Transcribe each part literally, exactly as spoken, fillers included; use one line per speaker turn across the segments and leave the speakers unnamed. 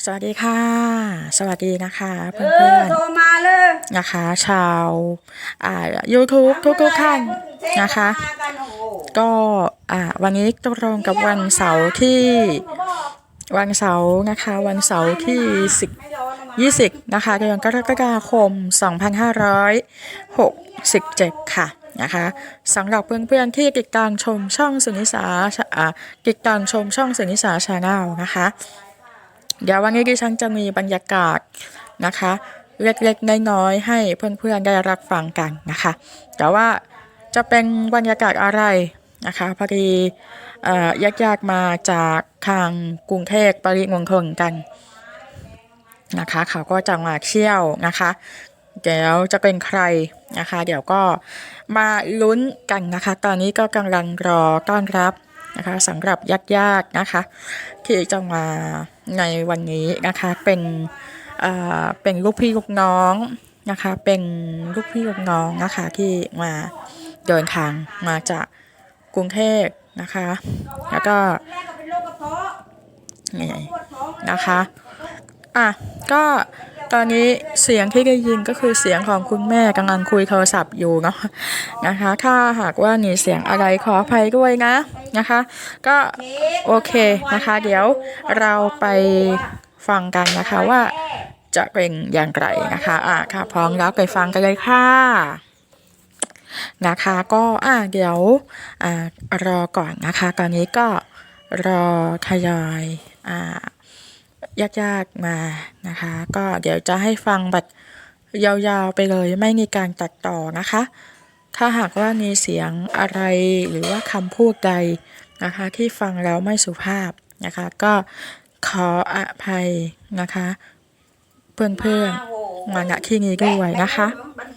สวัสดีค่ะสวัสดีนะคะ
เอ
เพื่
อ
อน
โทรมาเลย
ๆนะคะชาวอ่า YouTube ทุกๆท่านนะคะก็อ่าวันนี้ตรงกับวันเสาร์ที่วันเสาร์นะคะวันเสาร์ที่สิบ ยี่สิบนะคะเดือนกรกฎาคมสองพันห้าร้อยหกสิบเจ็ดค่ะนะคะสำหรับเพื่อนๆที่ติดตามชมช่องสุนิสาอ่าติดตามชมช่องสุนิสาชาแนลนะคะเดี๋ยววันนี้ดิฉันจะมีบรรยากาศนะคะเล็กๆน้อยๆให้เพื่อนๆได้รับฟังกันนะคะแต่ว่าจะเป็นบรรยากาศอะไรนะคะพอดีญาติๆมาจากทางกรุงเทพปริมณฑลกันนะคะเขาก็จะมาเที่ยวนะคะเดี๋ยวจะเป็นใครนะคะเดี๋ยวก็มาลุ้นกันนะคะตอนนี้ก็กำลังรอต้อนรับนะคะสำหรับญาติๆนะคะที่จะมาในวันนี้นะคะเป็นเอ่อเป็นลูกพี่ลูกน้องนะคะเป็นลูกพี่ลูกน้องนะคะที่มาเดินทางมาจากกรุงเทพนะคะแล้วก็นี่นะคะอ่ะก็ตอนนี้เสียงที่ได้ยินก็คือเสียงของคุณแม่กำลังคุยโทรศัพท์อยู่เนาะนะคะถ้าหากว่ามีเสียงอะไรขออภัยด้วยนะนะคะก็โอเคนะคะเดี๋ยวเราไปฟังกันนะคะว่าจะเป็นอย่างไรนะคะอ่ะค่ะพร้อมแล้วไปฟังกันเลยค่ะนะคะก็อ่ะเดี๋ยวอ่ารอก่อนนะคะตอนนี้ก็รอทยอยอ่ายากๆมานะคะก็เดี๋ยวจะให้ฟังแบบยาวๆไปเลยไม่มีการตัดต่อนะคะถ้าหากว่ามีเสียงอะไรหรือว่าคำพูดใดนะคะที่ฟังแล้วไม่สุภาพนะคะก็ขออภัยนะคะเพื่อนๆมาณที่นี้ด้วยนะคะ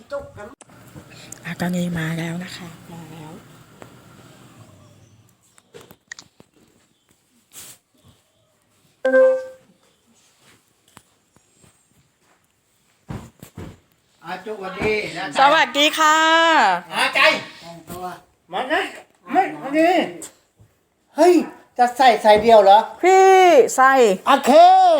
ตอนนี้มาแล้วนะคะมาแล้ว
อาจุวันดีนะ
สวัสดีค่ะ
อาใจมันนะไม่วันนี้เฮ้ยจะใส่ใส่เดียวเหรอ
พี่ไซ
โอเค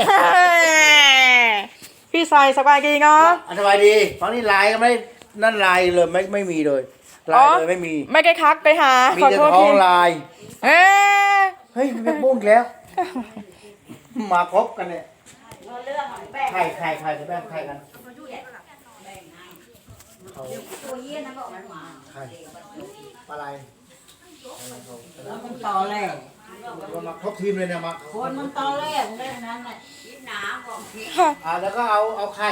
พี่ไซสบายดีเนาะ
อันสบายดีตอนนี้ไลน์ก็ไม่นั่นไลน์เลยไม่ไม่มีเลยไลน์เลยไม่มี
ไม่ได้ทักไปหา
มี
ขอ
แต่
โทษ
ท้อ
ที
งไลน์
เอ๊ะ
เฮ้ยมันบุ้งอีกแล้วมาครบกันเนี่ยใครใครใครจะแบ่งใครกันใครอะไร
มันต่อแหลก
ก็มาครบทีมเลยเนี่ยมา
คนมันต่อแหลกเลยนั่นแหละยิบหนาบอก
อ่าแล้วก็เอาเอาไข่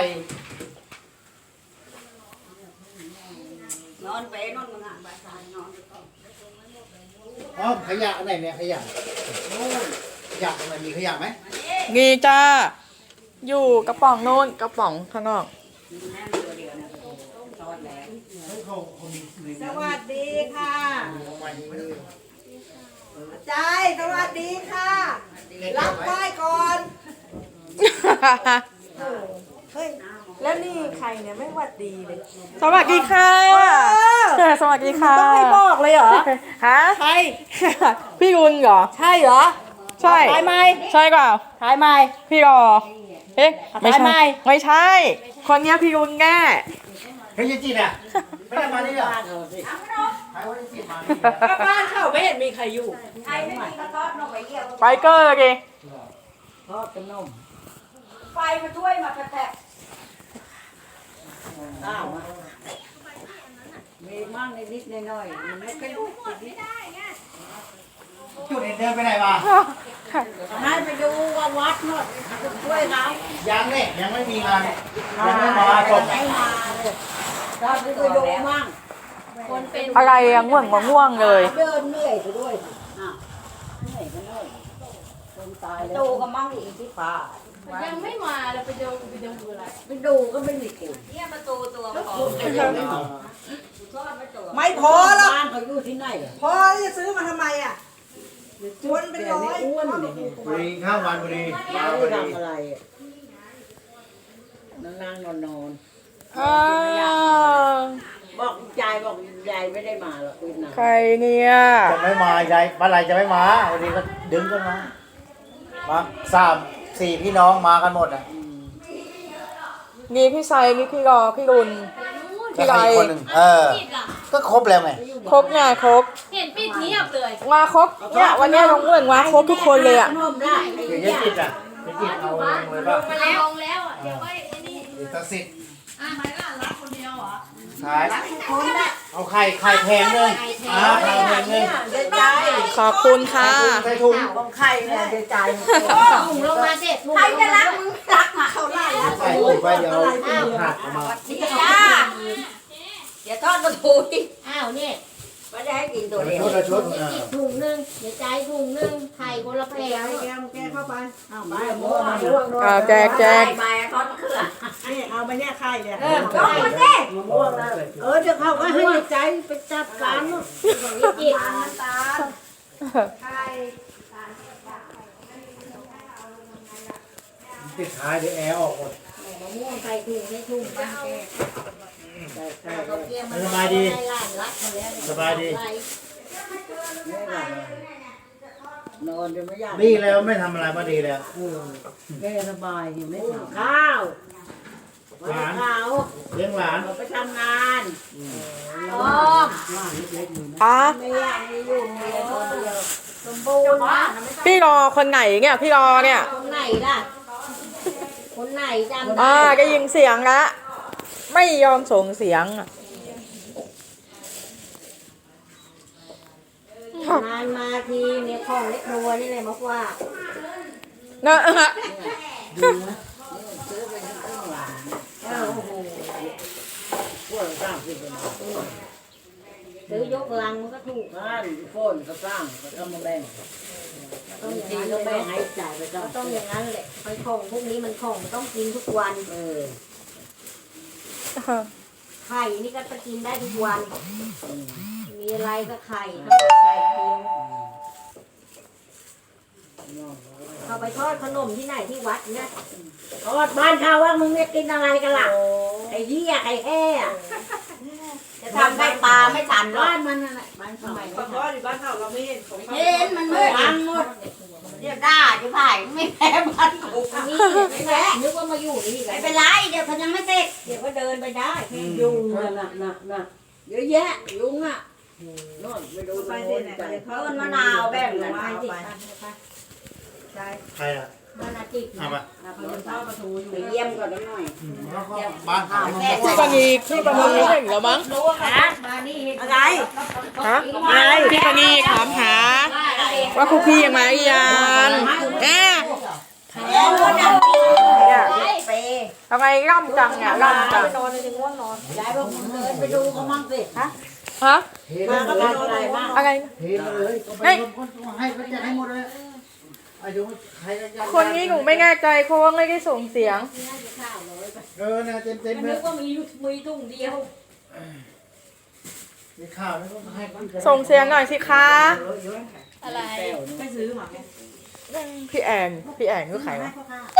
นอนไปนอนมึงอ่ะบาสายนอน
อ๋อขยะอันไหนเนี่ยขยะขยะอันไหนมีขยะไหม
นี่จ้าอยู่กระป๋องนู้นกระป๋องข้างนอก
สวัสดีค่ะใจสวัสดีค่ะรับไหว้ก่อนเฮ้ยแล้วนี่ใครเนี่ยไม่หวัดดีเลย
สวัสดีค่ะสวัสดีค่ะ
ต้องให้บอกเลยเหรอ
ฮะ
ใช่
พี่รุนเหรอ
ใช่เหรอ
ใช่
ถ่ายไหม
ใช่เปล่า
ถ่ายไหม
พี่รอเอ๊ะไม่
ถ่ายไหม
ใช่ไม่ใช่ คนเนี้ยพี่รุนแน่
เฮ้ยยายจีนอ่ะไม่ได้มานี่เหรอใครว่าจะจีนมานี่
บ้านเขาไม่เห็นมีใครอยู่
ไปเกอร์ดิ
ทอดขนมไฟมาช่วยมากระแทกอ้าวมีมั่งนิดๆหน่อยๆมันไม่ค่อยรู้นิด
จุดเดินไปไหนมา
ให้ไปดูว่าวัดหน่อยช่วยเขา
ยังเนี่ยยังไม่มีงานยังไม่มาจบ
ไม่มาเลยเราไปดูมั่งคนเป็น
อะไรอะง่วงมาง่วงเลย
เดินเหนื่อยไปด้วยอ้าวเหนื่อยก็เหนื่อยคนตายดูก็มั่งอีกที่ป่า
ยังไม่มาเราไปดูไปดูอะไร
ไปดูก็ไม่มีกิน
เนี่ยประตูตัวพอ
ไม่พอหรอกบ้านเขาอยู่ที่ไหนพอจะซื้อมาทำไมอ่ะคนเป็นร้อยอ้วนเลย
บุรีข้าววันบุรีมา
ไม่
บุรี
ทำอะไรนั่งนั่งนอนนอน
อ้าว
บอกยายบอกยายไม่ได้มาหรอกคุณนะ
ใครเนี่ย
จะไม่มายายเมื่อไหรจะไม่มาวันนี้ก็ดึงกันมามาสามสี่พี่น้องมากันหมดอ่ะ
มีพี่ไซมีพี่รอพี่รุน พี่
แล้ว
ไร
ใครอีกคนหนึ่งเออ
ปิดล่ะ
ก็ครบแล้วไง
ครบไงครบ
เห็นปิดเงียบเลย
มาครบเนี่ยวันเนี้ยน้องอ้วนมาครบทุกคนเลยอ่ะ
ขนมได้
เดี๋ยวจะจิตอ่ะจะจิตเอาลงเลยป่ะ
มาแล้วลงแล้วอ่ะเดี๋ยวก็ไอ้นี่
เดี๋ยวตัดสิทธิ์
อ่ะไม่ล่ะรักคนเดียวเหรอ
ขาย
คนละ
เอาไข่ไข่แพงเลยอ่าไข่แพงเลย
เดี๋ยวใจ
ขอบคุณค่ะ
ใส่ถุง
ของใครเนี่ยเดี๋ยวใจ
ถุงลงมาเสร็จถุง
ใครจะรักมึงรักมาเขาไล่แล้ว
ใส่ถุงไปเดี๋ยวเอาผักออกมา
จ้าเดี๋ยวทอดกระทูอีก
อ้าวเนี่ย
ไม่ได้ให้กินตัวเดียว
ชุดละชุดเออ
อีกถุงหนึงเดี๋ยวใจายถุงหนึงไข่คนละแพ
แก
ง
แกแกเข้าไปเอาไปม่วงม่วง
อ่าแจกแจก
ใบทอดมะเขือนี่เอาไปเนี่ยไข่เนี่ย
เออ
เอา
ไข่
ไปสิม่วงนะเออเดี๋ยวเขาก็ให้ใจไปจัดการเนาะ
จิต
ตาไข่
ปิดท้ายเดี๋ยวแอร์ออกหมด
มะม่วงใส่ถุงในถุงบ้างแกเอาเกี๊ยวมา
สบายดี
ให้หลานรักมาแล้ว
สบายดี
นอนจะไม่อยาก
นี่แล้วไม่ทำอะไรมาดีแล้ว
แกสบายอยู่ไม่ทำข้าว
หลาน
ข้าว
เลี้ยงหลาน
ไปทำงาน
อ๋อ
อ่ะ
ไม่อยากมีอยู่มีแต่คนเดียวสมบูรณ์นะ
พี่รอคนไหนเนี่ยพี่รอเนี่ย
คนไหนล่ะ คนไหนจำ
อ่า
ได้
ก็ยิงเสียงละไม่ยอมส่งเสียงอ่ะ
งานมาทีเนี่ยของเล็กรัวนี่เลยมาว่า
เนอะ
เออโอ้โหพวกสร้างขึ้นมา
ซื้อยกลังมันก็ถูก
บ้านโฟนก็สร้างก็ต้องมาแบ่ง
ต้องอย่าง
ที
นั้น
ก็
เล
แบ่ง
ย
ให้จ่ายไปต้อง
ต้องอย่างนั้นแหละไอ้ของพวกนี้มันของมันต้องกินทุกวัน
เออ
ไข่นี่ก็จะกินได้ทุกวัน มีอะไรก็ไข่ทั้งหมดไข่เคียวเอาไปทอดขนมที่ไหนที่วัดเนี่ย
ทอดบ้านเขาว่ามึงเนี่ยกินอะไรกันล่ะไอ้เหี้ยไอ้แห่อะ
จะทำได้ปลาไม่ทันหรอก
บ้านมันนั่นแหละบ้านเขา
เพราะอยู่บ้านเขาเราไม่เห็นของเขา
เห็นมันมืด
พังหมด
เดี๋ยวด่าจะผ่ายไม่แพ้บ้านกูนี่ไม่แพ้นึกว่ามาอยู่นี่ไม่เป็นไรเดี๋ยวเขายังไม่เสร็จเดี๋ยวก็เดินไปได้
ยุงน่ะน่ะน่ะน่ะเยอะแยะยุงอ่ะนอนไปดู
ไป
โน่
เนี่ย
นใจ
ต้นมะนาวแบ่งกัน
ไป
ไปสิ
ใช่
ใครอ่ะ
มะนาวจิก
เอามา
เขาจะทอดปลาทูอยู่
ไปเยี่ยมก่อนหน่อย
แล้วก็บ้านเขา
พี่ปณีพี่ปณีไม่เห็นแล้วมั้ง
มานี่
อะไร
ฮะพี่ปณีถามหา ว่าคุกพี่ยังมาหรือยังแน่
เอ้ยรถดับ
เนี่ย
เป
ทำไมร่ำจังเนี่ยร่ำจัง
นอนเลยง่วงนอนยายบอกมึงเดินไปดูเขามั่งสิฮะ
ฮะ
มาก็ไปนอนอะไรบ้าง
อะไร
เทมาเลยให้ให้ไปแจกให้หมดเลยอายุใครก็
คนนี้หนูไม่แน่ใจเพราะว่าไม่ได้ส่งเสียง
เออเนี่ยเต็มเต็มเล
นึ
ย
กว่ามีมีถุงเดียว
มีข้าวแล้วก็ให้คน
ส่งเสียงหน่อยสิคะ
อะไร
ไม่ซื้อมา
พี่แอนพี่แอนคือใครวะ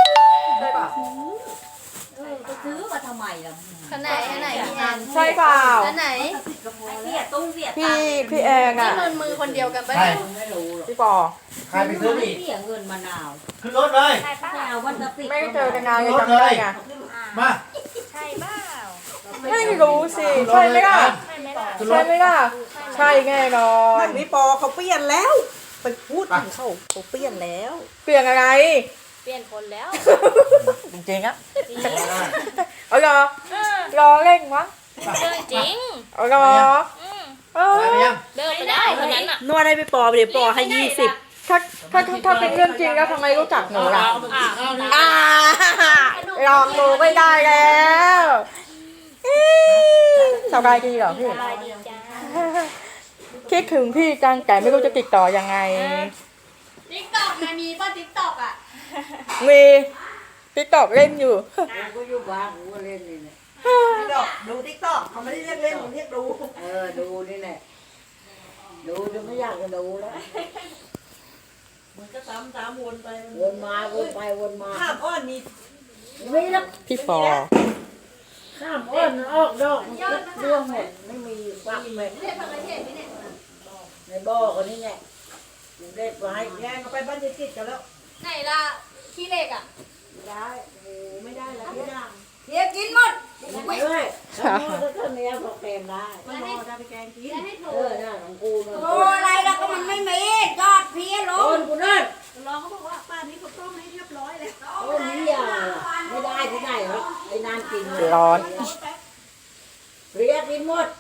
เออไปซื้อมาทำไมล่ะขนาดไหนพี่แอน
ใช่เปล่า
ขนาดไหนเสียตุ้งเสีย
พี่พี่แอนอ่ะ
นี่มันมือคนเดียวกันปะ
ใคร
พี่ปอ
ใครไปซื้ออีก
เสียเงินมะนาว
ขึ้นรถเลย
ไม่เอาวันละสิบ
ไม่ได้เจอกันนานเลยจำไม่ได้ไง
มา
ใช่เปล่า
ไม่รู้สิใช่ไหมล่ะ
ใช่ไหมล่ะ
ขึ้นร
ใช่
ถ
ไหมล่ะใช่แน่นอน
นั่นนี่ปอเขาเปลี่ยนแล้ว ไปพูดถึงเขาเขาเปลี่ยนแล้ว
เปลี่ยนอะไร
เปลี่ยนคนแล้ว
จริงๆอ่ะเอาเหรอรอเร่งวะ
เรื่องจริง
เอาเหรอเออ
ไปยัง
เลิกไปได้คนนั้นอ่ะ
นวดให้ไปปอเดี๋ยวปอให้ยี่สิบ
ถ้าถ้าถ้าถ้าเป็นเรื่องจริงแล้วทำไมรู้จักหนูล่ะ
อ่า
อ่าลองดูไม่ได้แล้วอี๋สบายดีเหรอพี่
สบายดีจ้า
คิดถึงพี่จังแต่ไม่รู้จะติดต่อยังไง
ติ๊กต็อกนะมีป่ะติ๊กต็อกอ่ะ
มีติ๊กตอกเล่นอยู่
กูอยู่บ้านกูก็เล่นนี่แหละ
ดูติ๊กต็อกเขาไม่ได้เรียกเล่นเขาเรียกดู
เออดูนี่แหละดูจนไม่อยากจะดูแล้ว
มันก็ซ้ำซ้ำวนไป
วนมาวนไปวนมา
ข้ามอ้อนมี
ไม่แล้ว
พี่ปอ
ข้ามอ้อนออกดอกมันก็ร่วงหมดไม่มีฟักเลย
เรียกพันละเทศไหมเนี่ย
ในบ่อคนนี้แหละเด็ดไว้
แย่งเขาไปบ้านจิตกันแล้ว
ไหนล่ะ
ขี้เหล็กอ่ะ
ได้โอ้โหไม่ได้แล้วทุกอย่าง
เฮียกินหมด
ไม่เลยแล้วหม้อถ้าเกิดเนี้ยบอกแกงได้ไม่หม้อจะไปแกงกิน
จะให้โทร
เออเนี่ยของกูเนี่ย
โอ้อะไรแล้วก็มันไม่มียอดเพี้ยล
โด
ง
นกูนั่น
รองเขาบอกว่าป้านี้เขาต้มให้เรียบร้อยเลย
โอ้นี่อ่ะไม่ได้ที่ไหนหรอกไอ้นานกินเลย
ร้อน
เรียกกินหมด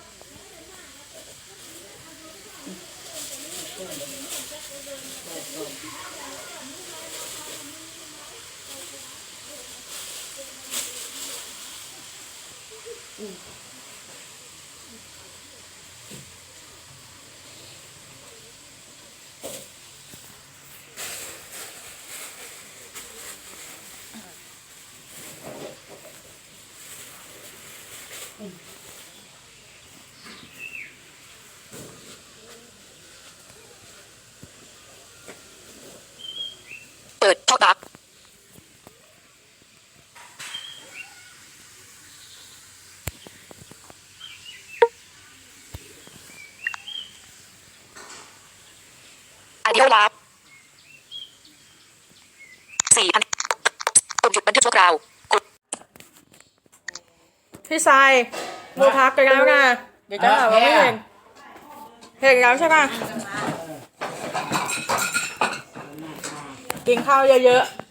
เปิดท็อปอัพอเดียวลับสี่พันปุ่มหยุดบันทึกชั่วคราวกดพี่ทรายดูพักกันแล้วนะเดี๋ยวจะหาว่าไม่เห็นเห็นแล้วใช่ป่ะกินข้าวเยอะๆ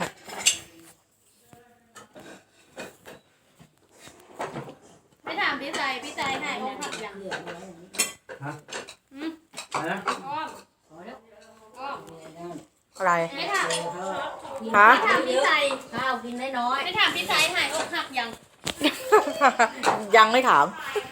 ไม่ถามพี่ใจพี่ใจไหนอกหักยัง
ฮะอะไรนะ
อ้อมอ้อม
อะไร
ไม่ถาม
ฮะ
ไม่ถามพี่ใจ
ข้าวกินได้น้อย
ไม่ถามพี่ใจหายอกหักยัง
ยังไม่ถาม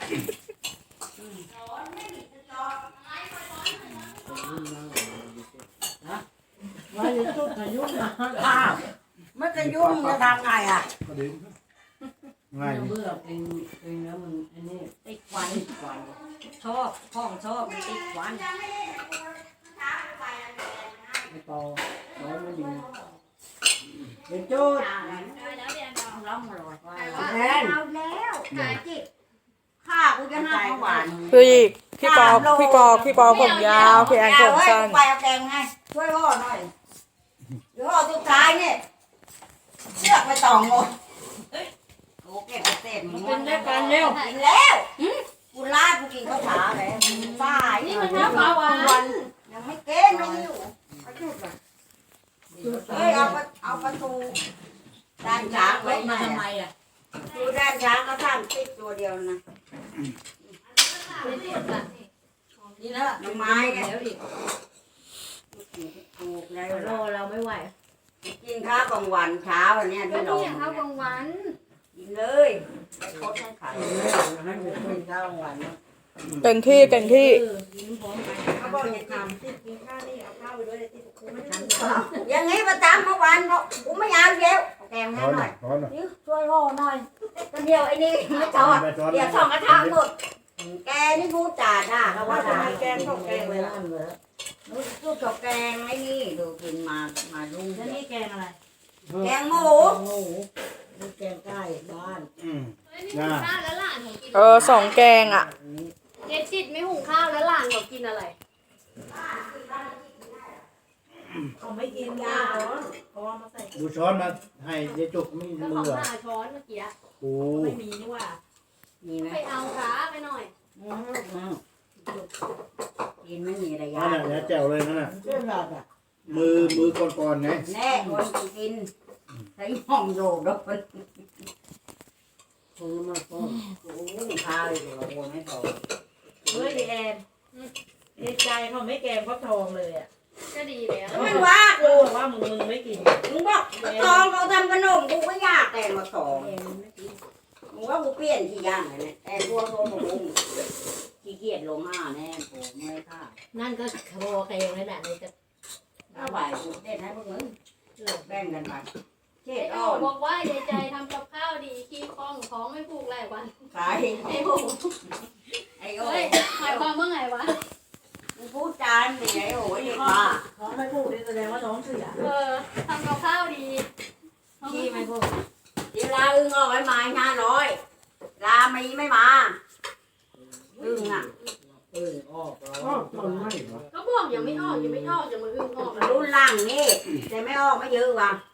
มาอยู่จุดอายุนะข้าวไม่จะยุ่งจะทำไงอ่ะ
ง่าย
เบื่อกินกินแล้วมันอันนี้ติดควันติดควันชอบห้องชอบมันติดควันไม่พอร้อนไม่ดีเดี๋ยวจุด
ได้แล้วเรียนเรา
ร้องมาหลอดไว้
แทนเอาแล้วหาจิตข้ากูจะห้าหวาน
พี่พี่ปอพี่ปอพี่ปอผมยาวพี่แอนผมสั้น
ไปเอาแกงให้ช่วยพ่อหน่อยเดี๋ยวพ่อสุดท้ายเนี่ยเชือกไปต่องหมดโอ้เก็บไปเต็ม
กินได้กันเร็ว
กินแล้วกูลาดกูกินข้าวขาแล้วตายนี่มันน้ำปลาหวานยังไม่เก้งไม่อยู่เฮ้ยเอาเอาประตูด้านช้างไว้
มา
มา
ทำไมอ่ะ
ดูด้านช้างก็สร้างติดตัวเดียวนะ
นี่นะ
น้ำไม้เนี่ย
เดี๋ยวอีก
ถูกแล้ว
รอเราไม่ไหว
กินข้าวกลางวันเช้าอันเนี้ย
ก็
ที่
ต้
เรา
องอย่างข้าวกลางวัน
กินเลยไปคดให้ไข่
ให้หนูกินข้าวหวานนะ
เต็มที่เต็มที่
กินพร้อมกัน
เขาบอกอย่าทำติดกินข้าวนี่เอาข้าวไปด้วยเลยติดกูไม่ได้ทำ
อย่างนี้ประจำเมื่อวานบอกกูไม่เอาเดี๋ยวเอาแกงให้
ร้อน
ห
ห
น่
น่
อ
อย ยร้อนหน่อย
นี่ช่วยพ่อหน่อยก็เดียวไอ้นี่ไม่จอดเดี๋ยวสองกระทะหมดแกนี่พูดจาด่าเขา
ว่า
ว่า
ทำ
ด่า
ไมแกงของแกงเลยล่ะ
รู้สึกกับแกงไอ้นี่ดูกินมามาลุง
แล้วนี่แกงอะไร
แกงหมู
โอ้โหนี่แกงใกล้บ้าน
อืม
เฮ้ยนี่หุงข้าวแล้วหลานของกิน
เออสองแกงอ่ะ
เจ๊จิตไม่หุงข้าวแล้วหลานของกินอะไร
เขาไม่กินยาร้อนเขาเอามาใส่
ดูช้อนมาให้ยายจุกไม่
ก็
มื
ของ
อเหรอ
หาช้อนเมื่อกี้
โอ้
ไม่มีนี่ว่า
มีไหม
ไปเอาขาไปหน่อย
กินไม่มีระยะ
นั่นน่ะเนี่ยแจ๋วเลยนั่นน่ะ
เรื่องแบบอ่ะ
มือมือก่อนๆไง
แน่คนกินใช้ห้องโยกแล้วมัน
ซื้อมาก็
โอ้ข้าวเลยเราโอนไม่พอ
เฮ้ยแอนในใจเขาไม่แกงฟักทองเลยอ่ะ
ก็ดีแล้ว
แล้วมันว่า
กู
กู
บอกว่ามึงมึงไม่กิน
มึงบอกตองเขาทำขนมกูก็อยากแต่งมาตองมึงว่ากูเปลี่ยนที่ย่างเลยเนี่ยแต่ตัวโตของมึงขี้เกียจลงห้าแน่โอ้ไม่ค่า
นั่นก็โคแกงนั่นแหละในจะ
ถ้าไหวกูเต้นให้พวกมึงแบ่งกันไปเช็
ไอ้
ด
โอ
อ้อน
บอกว่ายายใจทำกับข้าวดีขี้คล่องท้องไม่ผูกหลายวัน
ขาย
ไอ้โอ
ไอ้โอ้
เฮ้ยหมายความว่าไงวะ
มึงพูดจานนี่ไอ้โอ้ยเด็กบ้า
ท้องไม่พูดนี่แสดงว่าท้องเสีย
เออทำกับข้าวดี
ขี้ไม่พูดเดี๋ยวลาอึ้งออกไว้มาห้าร้อยลามีไม่มาอึ้งอ่ะ
เออออกแล้ว
มันไม่เหรอ
ก็บอกยังไม่ออกยังไม่ออกจะมาอึ้งออก
รุ่นล่างนี่แต่ไม่ออกไม่เยอะว่ะ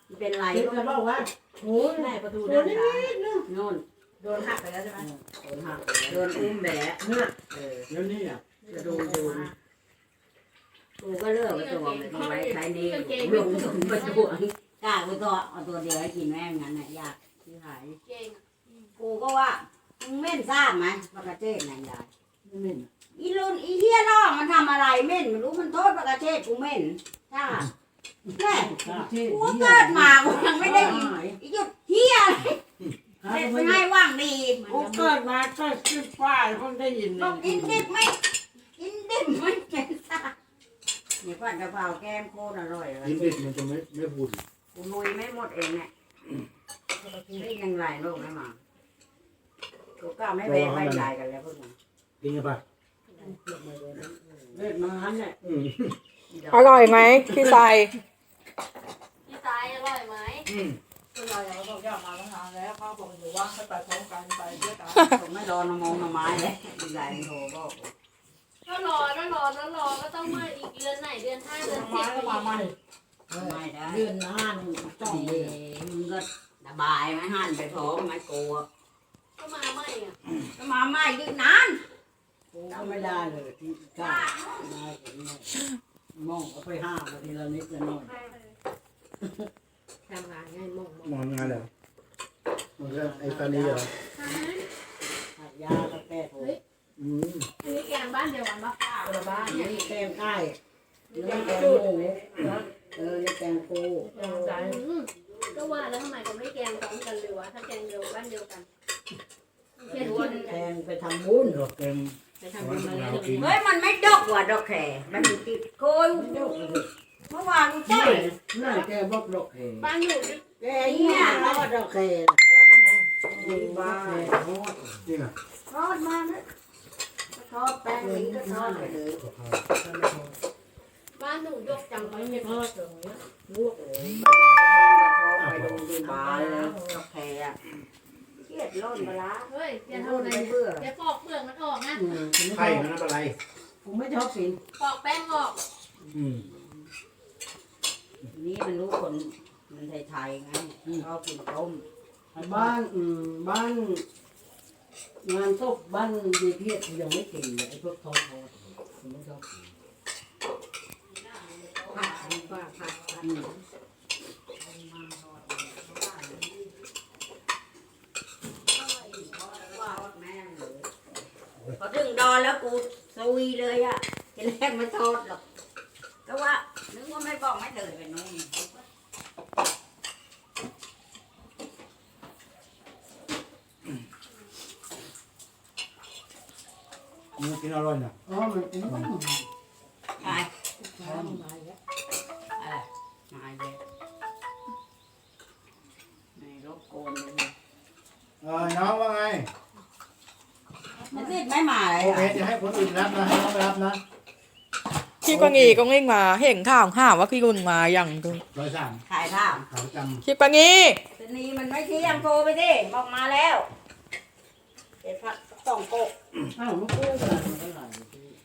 เป็นไร
เด็กจะบอกว่าโอ้ยไหนประตูด้านซ้าย
โน่น
โดนหักไปแล้วใช่ไหม
โดนหักโดนอุ้มแบะ
เนี่ย
เออ
แล้วนี่อ่ะ
จะโดนโดนกูก็เลือกไปตัวมันเอาไว้ใช้นี่ลงลงไปตัวกล้าไปตัวเอาตัวเดียวให้กินแม่งงั้นน่ะยากที่หาย
เก่ง
กูก็ว่ามึงเม่นทราบไหมปากกาเทศนายยาย
ไม่เหม็น
อีลุนอีเฮียน้องมันทำอะไรเม่นไม่รู้มันโทษปากกาเทศกูเม่นจ้าแม่กูเกิดมากูยังไม่ได้อีหยุดเฮียอะไรเด็กไม่ให้ว่างดี
กูเกิดมาก็สิบป้ายเพิ่งได้ยิน
บอกกินดิบไม่กินดิบไม่เป็นซาเนี่ยผัดกะเพราแกมโคตรอร่อยเลย
กินดิบมันจะไม่ไม่พูด
กูนุยไม่หมดเองเนี่ยนี่ยังไรโลกไม่มากูก็ไม่แบ่งไม่ใหญ่กันแล้วพวกนี้
กินกันปะ
เล่นมาหันเนี่ย
อืม
อร่อยไหมพี่ทราย
พี่สายอร่อยไหม
อืม
เป็นไรเราบอกอยากมาตั้งนานแล้วเขาบอกอยู่ว่าให้ไปพร้อมกันไปด้วยกัน
ผมไม่รอนมงนไม้เลยใหญ่โทรบอก
ก็รอก็รอก็รอก็ต้องมาอีกเดือนไหนเดือนห้าเดือนสิ
มา
บ
ก็มาใหม่
ไม่ได้
เดือนหน้านี่ต้อง
นี่
เลย
มึงก็สบายไหมหันไปพร้อมไม่กลัว
ก็มาใหม่อ่ะ
ก็มาไม่ยืนนาน
กูก็ไม่ได้เลยที่กล้าได้ผมเนี่ยมองเอาไปห้ามทีละนิดละหน่อย
ทำงานง่ายมองมอง
มองงานเหรอมันก็ไอ้ตานีเหรอ
หักยาก็แก้โถ
อืม
อันนี้แกงบ้านเดียวกันปะ
คนละบ้าน
นี่แกงใต้นี่แกงหมูเออนี่แกงปู
ยังใจ
อืมก็ว่าแล้วทำไมเขาไม่แกงพร้อมกันเลยวะถ้าแกงเดียวบ้านเดียวกันเขียนคน
แกงไปทำบุญ
ดอกเต็ม
ไปทำบุญมาแล้ว
เฮ้ยมันไม่ดกว่ะดอกแข่มันติดโกยเมื่อวานกู
นี่
ใช่
นั่นแกบอกดอกเข
บ้านอยู่
แกเนี่ยเขาว่าดอกเข
ดีบ้า
จริงอ่ะ
ทอดมานะทอดแป้งนี้ก็ทอดไปเลย
บ้านหนูยกจัง
ไม่มีทอดตรงนี้
ลวกเลย
ทอดไปดูดีบ้าเลยดอกแข่อะเครียดร้อนไปละ
เฮ้ยแก
ร้
ทำ
อน
อะไร
ไปเบื่อ
แกปอกเปลือกมันออกนะ
อืม
ไข่มันอะไร
ผมไม่ชอบกิน
ปอกแป้งออก
อืม
นี่มันรู้คนมันไทยๆไงชอบกินต้ม
บ้านอืมบ้านงานศพบ้านดีเพียรยังไม่กินเลยไอ้พวกทอดทอดผมไม่ชอบกิน
ผัดผัดผัดผัด
อืม
พอถึงดอนแล้วกูซุยเลยอ่ะทีแรกไม่ทอดหรอกก็ว่านึกว่าไม่บอกไม่เลยไปนู่น
มันกินอร่อยนะ
อ๋อมันเป็นบ้าน
ไป
ข้าวมาแล้ว
อะไรมาเยอะไม่รบกวนเลย
เออน้องว่าไง
มันติดไม่มาเลย
โอเค
อ่ะ
จะให้คนอื่นรับนะให้น้องไปรับนะ
พี่กวางอีก็เง่งมาเห็นข่าวข่าวว่าพี่กุนมาอย่างดู
ร้อยสาม
ถ่ายภาพ
ขาวจ
พี่กวางอี
ตอนนี้มันไม่เที่ยงโทรไปดิบอกมาแล้วเจ็ดพักสองโกก
อ้าวมันกู้กันมันก็หลาย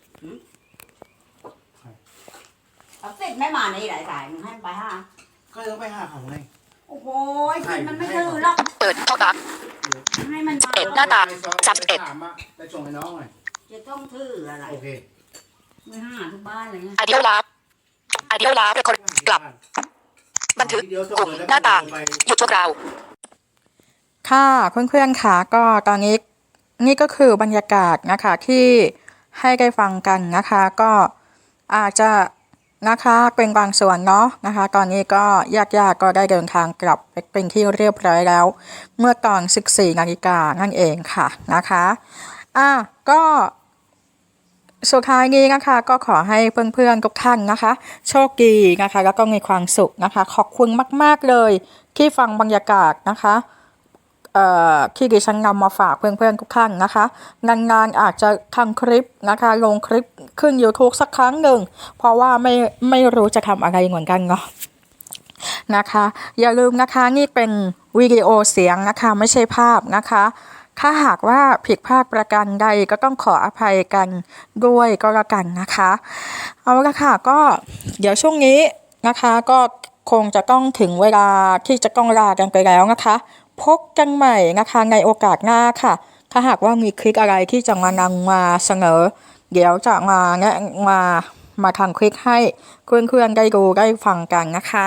เอาติดไม่มานี่หลายสายมึงให้มันไปห้า
ำก็ต้องไปหาเขาไง
โอ้โหไอ้ติดมันไม่ถือหรอก
เปิดท็อปอัพ
ให้มันมา
เปิดหน้าต่าง จับเอ็ด
ถามอะไปส่งให้น้องหน่อย
จะต้องถืออะไร
โอเค
ไม่ห้าทุกบ้านเลยนะ
อ d เดียวลาบอ d เดียวลาบเป็นคนกลับ บันทึกกลุ่มหน้าต่าง หยุดชั่วคราว
ค่ะเพื่อนๆค่ะก็ตอนนี้นี่ก็คือบรรยากาศนะคะที่ให้ได้ฟังกันนะคะ ก็อาจจะนะคะเป็นบางส่วนเนาะนะคะ ตอนนี้ก็ญาติๆก็ได้เดินทางกลับไปเป็นที่เรียบร้อยแล้ว เมื่อตอนสิบสี่นาฬิกานั่นเองค่ะนะคะอ่ะก็สุดท้ายนี้นะคะก็ขอให้เพื่อนๆทุกท่านนะคะ โชคดีนะคะแล้วก็มีความสุขนะคะ ขอบคุณมากๆเลยที่ฟังบรรยากาศนะคะเอ่อที่ดิฉันนำมาฝากเพื่อนๆทุกท่านนะคะนานๆอาจจะทำคลิปนะคะลงคลิปขึ้น YouTube สักครั้งหนึ่งเพราะว่าไม่ไม่รู้จะทำอะไรเหมือนกันเนาะนะคะอย่าลืมนะคะนี่เป็นวิดีโอเสียงนะคะไม่ใช่ภาพนะคะถ้าหากว่าผิดพลาดประการใดก็ต้องขออภัยกันด้วยก็แล้วกันนะคะเอาละค่ะก็เดี๋ยวช่วงนี้นะคะก็คงจะต้องถึงเวลาที่จะต้องลากันไปแล้วนะคะพบกันใหม่นะคะในโอกาสหน้าค่ะถ้าหากว่ามีคลิปอะไรที่จะมานำมาเสนอ เดี๋ยวจะมาแนะมามาทำคลิปให้เพื่อนๆได้ดูได้ฟังกันนะคะ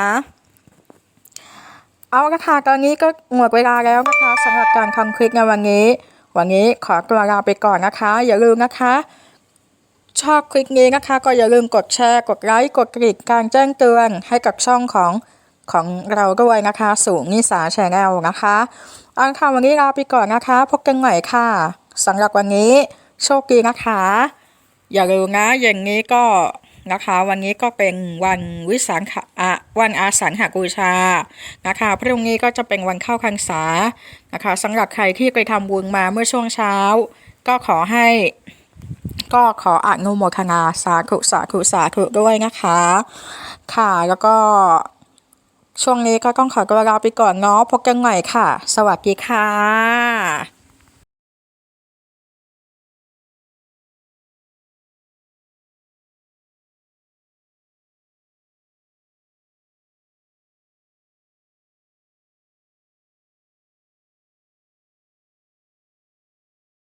เอาละค่ะตอนนี้ก็หมดเวลาแล้วนะคะสำหรับการทำคลิปในวันนี้วันนี้ขอตัวลาไปก่อนนะคะอย่าลืมนะคะชอบคลิปนี้นะคะก็อย่าลืมกดแชร์กดไลค์กดกระดิ่งการแจ้งเตือนให้กับช่องของของเราด้วยนะคะสู่นิสาแชนแนลนะคะเอาละค่ะวันนี้ลาไปก่อนนะคะพบกันใหม่ค่ะสำหรับวันนี้โชคดีนะคะอย่าลืมนะอย่างนี้ก็นะคะวันนี้ก็เป็นวันวิสาขะวันอาสาฬหบูชานะคะพรุ่งนี้ก็จะเป็นวันเข้าพรรษานะคะสำหรับใครที่ไปทำบุญมาเมื่อช่วงเช้าก็ขอให้ก็ขออนุโมทนาสาธุสาธุสาธุด้วยนะคะค่ะแล้วก็ช่วงนี้ก็ต้องขอตัวลาไปก่อนเนาะพบกันใหม่ค่ะสวัสดีค่ะ